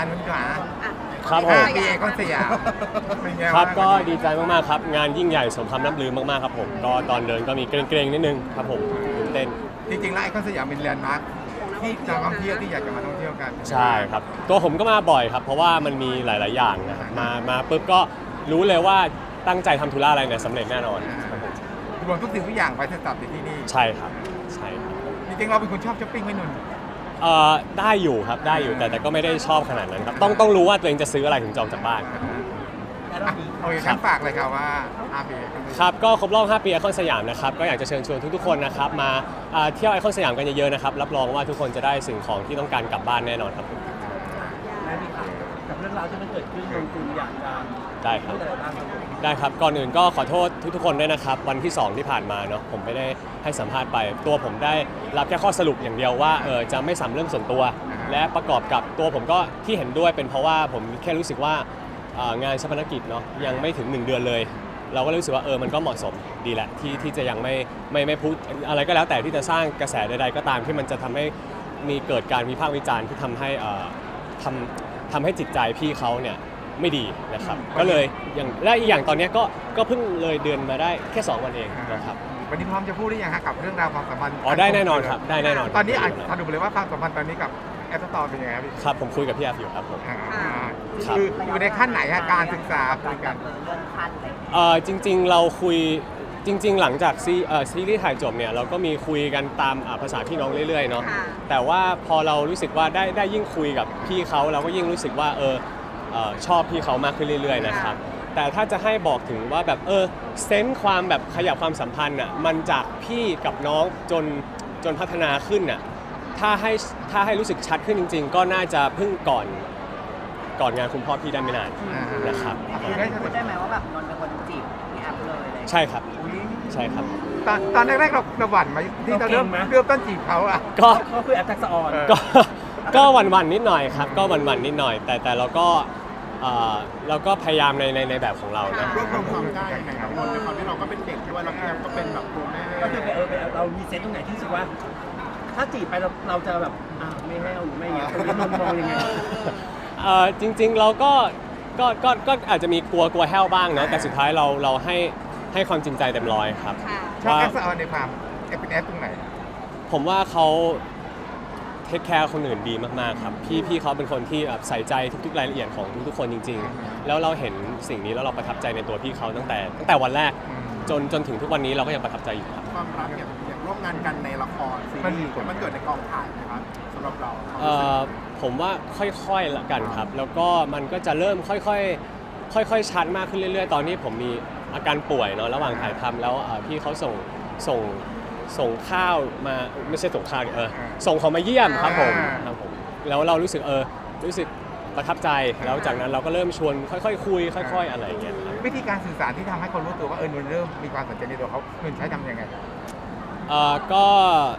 นุ่นขาครับผมปีคอนสยามเป็นไงครับางก็ดีใจมากๆครับงานยิ่งใหญ่สมคำล่ำลือมากๆครับผมก็ตอนเดินก็มีเกรงๆนิดนึงครับผมตื่นเต้นจริงๆแล้วไอคอนสยามเป็นแลนด์มาร์คที่นักท่องเที่ยวที่อยากจะมาท่องเที่ยวกันใช่ครับตัวผมก็มาบ่อยครับเพราะว่ามันมีหลายๆอย่างนะครับมาปุ๊บก็รู้เลยว่าตั้งใจทำธุระอะไรเนี่ยสำเร็จแน่นอนครับผมรวมทุกสิ่งทุกอย่างไปเสร็จสับอยู่ที่นี่ใช่ครับใช่ครับจริงๆเราเป็นคนชอบช้อปปิ้งไหมนุ่นได้อยู่ครับได้อยู่แต่ก็ไม่ได้ชอบขนาดนั้นครับต้องรู้ว่าตัวเองจะซื้ออะไรถึงจะออกจากบ้านโอเคงั้นฝากเลยครับว่าอาเบครับก็ครบรอบ 5 ปีไอคอนสยามนะครับก็อยากจะเชิญชวนทุกๆคนนะครับมาเที่ยวไอคอนสยามกันเยอะๆนะครับรับรองว่าทุกคนจะได้สิ่งของที่ต้องการกลับบ้านแน่นอนครับได้ไหมครับกับเรื่องราวที่มันเกิดขึ้นลงทุนอยากจะได้ครับพูดอะไรบ้างครับผมได้ครับก่อนอื่นก็ขอโทษทุกๆคนด้วยนะครับวันที่ 2 ที่ผ่านมาเนาะผมไม่ได้ให้สัมภาษณ์ไปตัวผมได้รับแค่ข้อสรุปอย่างเดียวว่าจะไม่สัมเรื่องส่วนตัว และประกอบกับตัวผมก็ที่เห็นด้วยเป็นเพราะว่าผมแค่รู้สึกว่างานชาปนกิจเนาะยังไม่ถึง1 เดือนเลย เราก็รู้สึกว่ามันก็เหมาะสมดีแหละที่จะยังไม่พูดอะไรก็แล้วแต่ที่จะสร้างกระแสใดๆก็ตามที่มันจะทำให้มีเกิดการวิพากษ์วิจารณ์ที่ทำให้ทำให้จิตใจพี่เขาเนี่ยไม่ดีนะครับก็เลยอย่างและอีกอย่างตอนนี้ก็เพิ่งเลยเดือนมาได้แค่ 2 วันเองนะครับวันนี้พร้อมจะพูดหรือยังฮะกับเรื่องราวความสัมพันธ์ได้แน่นอนครับได้แน่นอนตอนนี้สรุปเลยว่าความสัมพันธ์ตอนนี้กับแอปสตอร์เป็นยังไงครับพี่ครับผมคุยกับพี่แอฟอยู่ครับผม ครับคืออยู่ในขั้นไหนฮะการศึกษาคุยกันเรื่องขั้นอะไรจริงๆเราคุยจริงๆหลังจากซีรีส์ถ่ายจบเนี่ยเราก็มีคุยกันตามภาษาพี่น้องเรื่อยๆเนาะแต่ว่าพอเรารู้สึกว่าได้ยิ่งคุยกับพี่เขาเราก็ยิ่งรู้สึกว่าชอบพี่เขามากขึ้นเรื่อยๆนะครับแต่ถ้าจะให้บอกถึงว่าแบบเซนส์ความแบบขยับความสัมพันธ์อ่ะมันจากพี่กับน้องจนพัฒนาขึ้นอ่ะถ้าให้รู้สึกชัดขึ้นจริง ๆ ก็น่าจะเพิ่งก่อนงานคุณพ่อพี่ได้ไม่นานนะครับพูดได้ไหมว่าแบบนนท์เป็นคนจีบพี่แอฟเลยอะไรอย่างเงี้ยใช่ครับใช่ครับตอนแรกๆเราหวั่นไหมที่เราเริ่มต้นจีบเขาอ่ะก็ก็คือแอฟทักษะออนก็หวั่นๆนิดหน่อยครับก็หวั่นๆนิดหน่อยแต่เราก็พยายามในแบบของเรานะรวบรวมความได้ยังไงครับนนท์ในความที่เราก็เป็นเด็กด้วยแล้วพี่แอมก็เป็นแบบตัวแม่ก็คือเรามีเซตตรงไหนที่รู้สึกว่า ถ้าจีบไปเราจะแบบไม่ให้เอาหรือไม่เงี้ยตรงนี้นนท์มองยังไงจริงๆเราก็อาจจะมีกลัวแห้วบ้างเนาะแต่สุดท้ายเราให้ความจริงใจเต็มร้อยครับชอบว่าแอปสตอร์ในความเป็นแอปตรงไหนผมว่าเขาเทคแคร์คนอื่นดีมากๆครับพี่เขาเป็นคนที่แบบใส่ใจทุกๆรายละเอียดของทุกๆคนจริงๆแล้วเราเห็นสิ่งนี้แล้วเราประทับใจในตัวพี่เขาตั้งแต่วันแรกจนถึงทุกวันนี้เราก็ยังประทับใจอยู่ครับความรักอย่างร่วมงานกันในละครซีรีส์มันเกิดในกองถ่ายนะครับสำหรับเราผมว่าค่อยๆละกันครับ แล้วก็มันก็จะเริ่มค่อยๆชัดมากขึ้นเรื่อยๆ ตอนนี้ผมมีอาการป่วยเนาะระหว่างถ่ายทำแล้วพี่เขาส่งข้าวมาไม่ใช่ส่งข้าวส่งของมาเยี่ยมครับผมแล้วเรารู้สึกประทับใจแล้วจากนั้นเราก็เริ่มชวนค่อยๆคุยค่อยๆอะไรอย่างเงี้ยครับวิธีการสื่อสารที่ทำให้คนรู้ตัวว่านุ่นเริ่มมีความสนใจในตัวเขานุ่นใช้ทำยังไงก็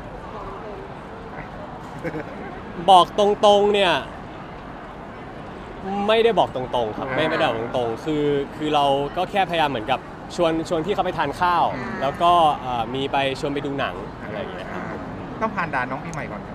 บอกตรงๆเนี่ยไม่ได้บอกตรงๆครับไม่ได้บอกตรงๆคือเราก็แค่พยายามเหมือนกับชวนพี่เขาไปทานข้าว แล้วก็มีไปชวนไปดูหนังอะไรอย่างเงี้ยครับต้องผ่านด่านน้องปีใหม่ก่อน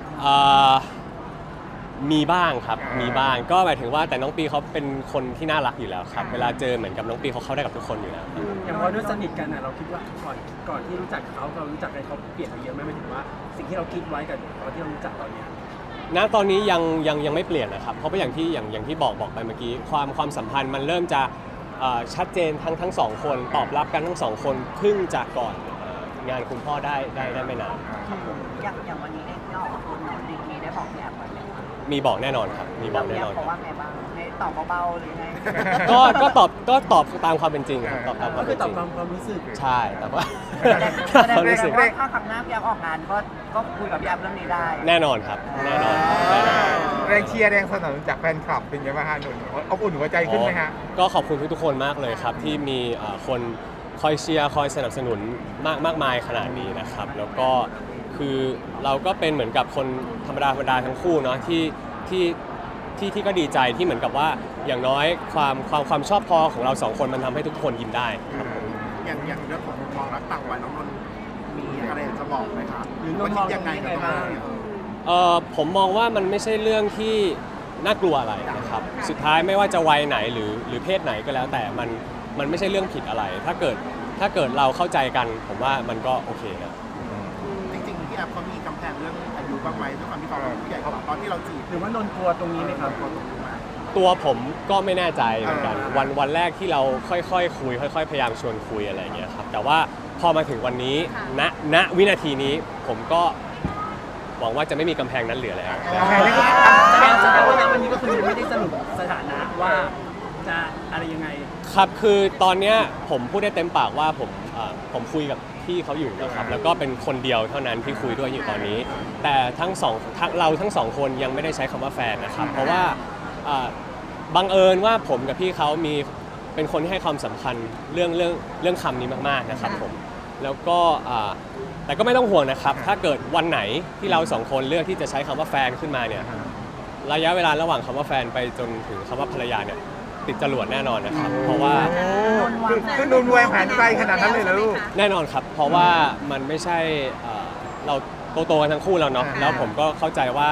มีบ้างครับมีบ้างก็หมายถึงว่าแต่น้องปีเขาเป็นคนที่น่ารักอยู่แล้วครับเวลาเจอเหมือนกับน้องปีเขาเข้าได้กับทุกคนอยู่แล้วอย่างพอด้วยสนิทกันเราคิดว่าก่อนที่รู้จักเขาเรารู้จักกันเขาเปลี่ยนไปเยอะไหมหมายถึงว่าสิ่งที่เราคิดไว้กับตอนที่เรารู้จักตอนเนี้ยณตอนนี้ยังไม่เปลี่ยนนะครับเพราะว่าอย่างที่บอกไปเมื่อกี้ความสัมพันธ์มันเริ่มจะชัดเจนทั้งสองคนตอบรับกันทั้งสองคนเพิ่งจากก่อนงานคุณพ่อได้ไม่นานอย่างวันนี้ได้ออกมาพูดเนาะมีได้บอกพี่แอฟไว้ไหมคะมีบอกแน่นอนครับมีบอกแน่นอนเพราะว่าไงบ้างให้ตอบเบาๆหรือไงก็ตอบตามความเป็นจริงครับตอบตามความก็คืเป็อน ตจอบริงความรู้สึกใช่แต่ว่าแสดงความรู้สึกว่าถ้าครั้งหน้าพี่แอฟออกงานก็คุยกับพี่แอฟเรื่องนี้ได้แน่นอนครับแน่นอนแรงเชียร์แรงสนับสนุนจากแฟนคลับเป็นยังไงบ้างฮะนุ่นอบอุ่นหัวใจขึ้นไหมฮะก็ขอบคุณทุกๆคนมากเลยครับที่มีคนคอยเชียร์คอยสนับสนุนมากมายขนาดนี้นะครับแล้วก็คือเราก็เป็นเหมือนกับคนธรรมดาทั้งคู่เนาะที่ก็ดีใจที่เหมือนกับว่าอย่างน้อยความชอบพอของเราสองคนมันทำให้ทุกคนยิ้มได้ครับผมอย่างเรื่องของมุมมองรักต่างวัยน้องนนท์มีอะไรจะบอกไหมครับหรือนนท์ว่าคิดยังไงกับตรงนี้ผมมองว่ามันไม่ใช่เรื่องที่น่ากลัวอะไรนะครับสุดท้ายไม่ว่าจะวัยไหนหรือเพศไหนก็แล้วแต่มันไม่ใช่เรื่องผิดอะไร ถ้าเกิดเราเข้าใจกันผมว่ามันก็โอเคนะจริงๆพี่แอฟเขามีกำแพงเรื่องอายุบ้างไหมด้วยความที่เขาเป็นผู้ใหญ่กว่าตอนที่เราจีบหรือว่านนท์กลัวตรงนี้ไหมครับตัวผมก็ไม่แน่ใจเหมือนกันวันแรกที่เราค่อยๆคุยค่อยๆพยายามชวนคุยอะไรอย่างเงี้ยครับแต่ว่าพอมาถึงวันนี้ณวินาทีนี้ผมก็หวังว่าจะไม่มีกำแพงนั้นเหลือแล้วแสดงว่าณวันนี้ก็คือไม่ได้สรุปสถานะว่าจะอะไรยังไงครับคือตอนเนี้ยผมพูดได้เต็มปากว่าผมคุยกับพี่เขาอยู่นะครับแล้วก็เป็นคนเดียวเท่านั้นที่คุยด้วยอยู่ตอนนี้ แต่เราทั้งสองคนยังไม่ได้ใช้คำว่าแฟนนะครับเพราะว่าบังเอิญว่าผมกับพี่เขาเป็นคนที่ให้ความสำคัญเรื่องคำนี้มากๆนะครับผมแล้วก็แต่ก็ไม่ต้องห่วงนะครับถ้าเกิดวันไหนที่เราสองคนเลือกที่จะใช้คำว่าแฟนขึ้นมาเนี่ยระยะเวลาระหว่างคำว่าแฟนไปจนถึงคำว่าภรรยาเนี่ยติดจรวดแน่นอนนะครับเพราะว่าคือนุ่นวางแผนไกลขนาดนั้นเลยเหรอลูกแน่นอนครับเพราะว่ามันไม่ใช่เราโตกันทั้งคู่แล้วเนาะแล้วผมก็เข้าใจว่า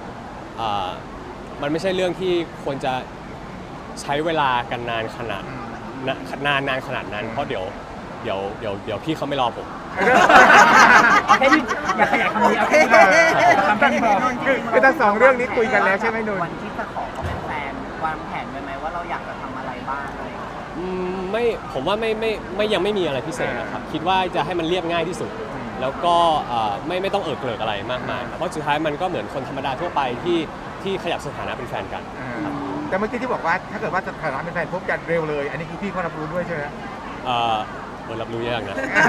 มันไม่ใช่เรื่องที่ควรจะใช้เวลากันนานขนาดนั้น เพราะเดี๋ยวพี่เขาไม่รอผมเอาแค่นี้อย่าขยายคำนี้เอาแค่นี้ทำแค่นี้พอคือทั้งสองเรื่องนี้คุยกันแล้วใช่ไหมนุ่นวันที่จะขอเขาเป็นแฟนวางแผนไว้ไหมว่าเราอยากจะทำอะไรบ้างอะไรอย่างเงี้ยไม่ผมว่าไม่ยังไม่มีอะไรพิเศษนะครับคิดว่าจะให้มันเรียบง่ายที่สุด แล้วก็ไม่ต้องเอิกเกริกอะไรมากมายครับเพราะสุดท้ายมันก็เหมือนคนธรรมดาทั่วไปที่ขยับสถานะเป็นแฟนกันแต่เมื่อกี้ที่บอกว่าถ้าเกิดว่าสถานะเป็นแฟนพบกันเร็วเลย อันนี้คือพี่เขารับรู้ด้วยใช่ไหมรับรู้ยากนะ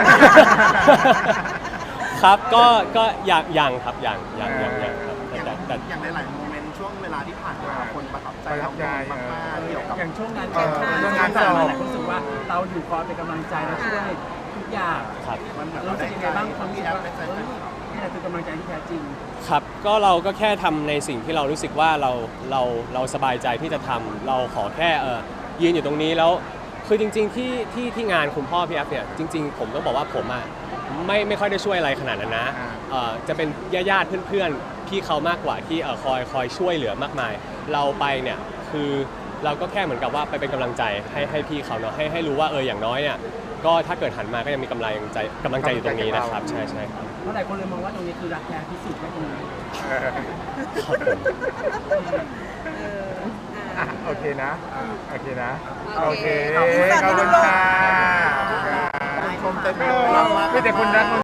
ครับก็ยังครับยังครับแต่อย่างหลายๆโมเมนต์ช่วงเวลาที่ผ่านมาคนประทับใจเรามากๆเกี่ยวกับอย่างช่วงงานเรื่องงานสอบหลายคนรู้สึกว่าเราอยู่คอยเป็นกำลังใจเราช่วยทุกอย่างครับมันแบบรู้สึกยังไงบ้างความรู้สึกว่านี่แหละคือกำลังใจที่แท้จริงครับก็เราก็แค่ทำในสิ่งที่เรารู้สึกว่าเราสบายใจที่จะทำเราขอแค่ยืนอยู่ตรงนี้แล้วคือจริงๆที่งานคุณพ่อพี่แอฟเนี่ยจริงๆผมต้องบอกว่าผมอ่ะไม่ค่อยได้ช่วยอะไรขนาดนั้นนะจะเป็นญาติเพื่อนๆพี่เขามากกว่าที่คอยช่วยเหลือมากมาย เราไปเนี่ยคือเราก็แค่เหมือนกับว่าไปเป็นกำลังใจให้พี่เขาเนาะให้รู้ว่าอย่างน้อยเนี่ยก็ถ้าเกิดหันมาก็ยังมีกำลังใจอยู่ตรงนี้นะครับใช่ครับเพราะหลายคนเลยมองว่าตรงนี้คือรักแท้ที่สุดก็ตรงนี้ครับผมโอเคนะ โอเคนะโอโอเคเคขอบคุณขอบคุณค่ะค่ะชมเต็มไปไม่แต่คนรัก